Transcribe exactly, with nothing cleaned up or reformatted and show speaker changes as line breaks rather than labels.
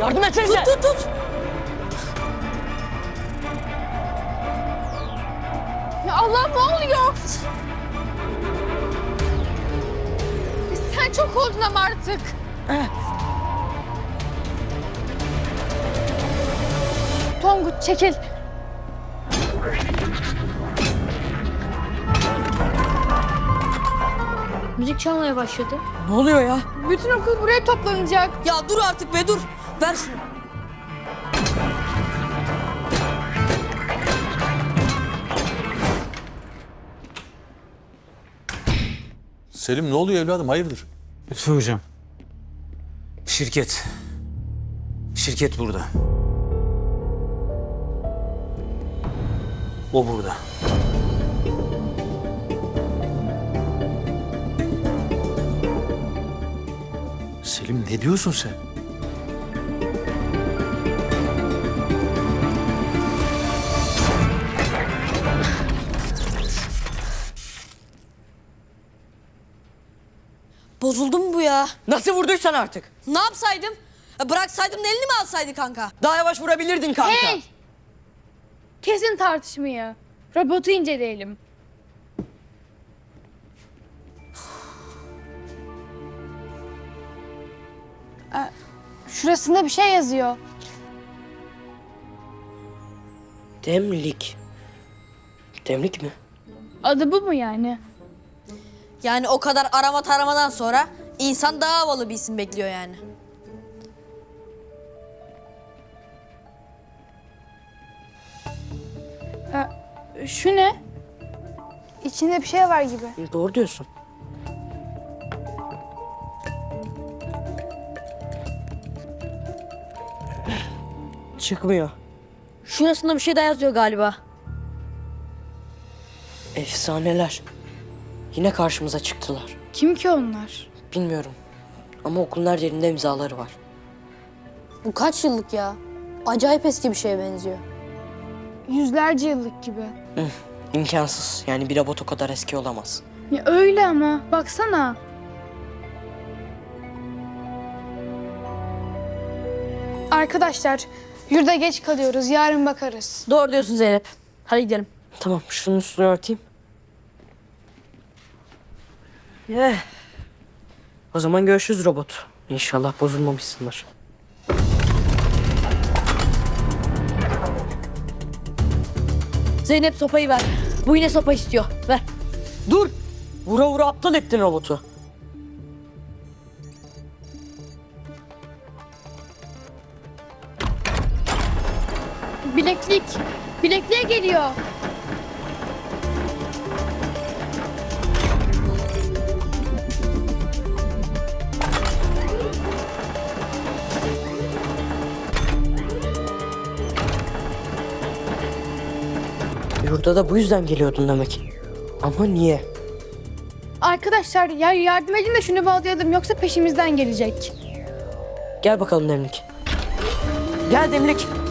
Yardım etsenize.
Tut tut tut.
Ya Allah ne oluyor? Sen çok oldun ama artık. Tonguç çekil.
Müzik çalmaya başladı.
Ne oluyor ya?
Bütün okul buraya toplanacak.
Ya dur artık be dur. Ver şunu.
Selim ne oluyor evladım hayırdır?
Lütfü hocam. Şirket. Şirket burada. O burada.
Selim ne diyorsun sen?
Bozuldu mu bu ya?
Nasıl vurduysan artık.
Ne yapsaydım? Ya bıraksaydım da elini mi alsaydı kanka?
Daha yavaş vurabilirdin kanka.
Hey! Kesin tartışmayı. Robotu inceleyelim. Aa, Şurasında bir şey yazıyor.
Demlik. Demlik mi?
Adı bu mu yani?
Yani o kadar arama taramadan sonra insan daha havalı bir isim bekliyor yani.
Aa, şu ne? İçinde bir şey var gibi.
Doğru diyorsun. Çıkmıyor.
Şurasında bir şey daha yazıyor galiba.
Efsaneler. Yine karşımıza çıktılar.
Kim ki onlar?
Bilmiyorum. Ama okulun her yerinde imzaları var.
Bu kaç yıllık ya? Acayip eski bir şeye benziyor.
Yüzlerce yıllık gibi.
İmkansız. Yani bir robot o kadar eski olamaz.
Ya öyle ama baksana. Arkadaşlar yurda geç kalıyoruz. Yarın bakarız.
Doğru diyorsun Zeynep. Hadi gidelim.
Tamam şunun üstünü örteyim. Eh. O zaman görüşürüz robot. İnşallah bozulmamışsındır.
Zeynep sopayı ver. Bu yine sopa istiyor. Ver.
Dur! Vura vura aptal ettin robotu.
Bileklik. Bilekliğe geliyor.
Yurda da bu yüzden geliyordun demek. Ama niye?
Arkadaşlar ya yardım edin de şunu bağlayalım yoksa peşimizden gelecek.
Gel bakalım Demlik. Gel Demlik.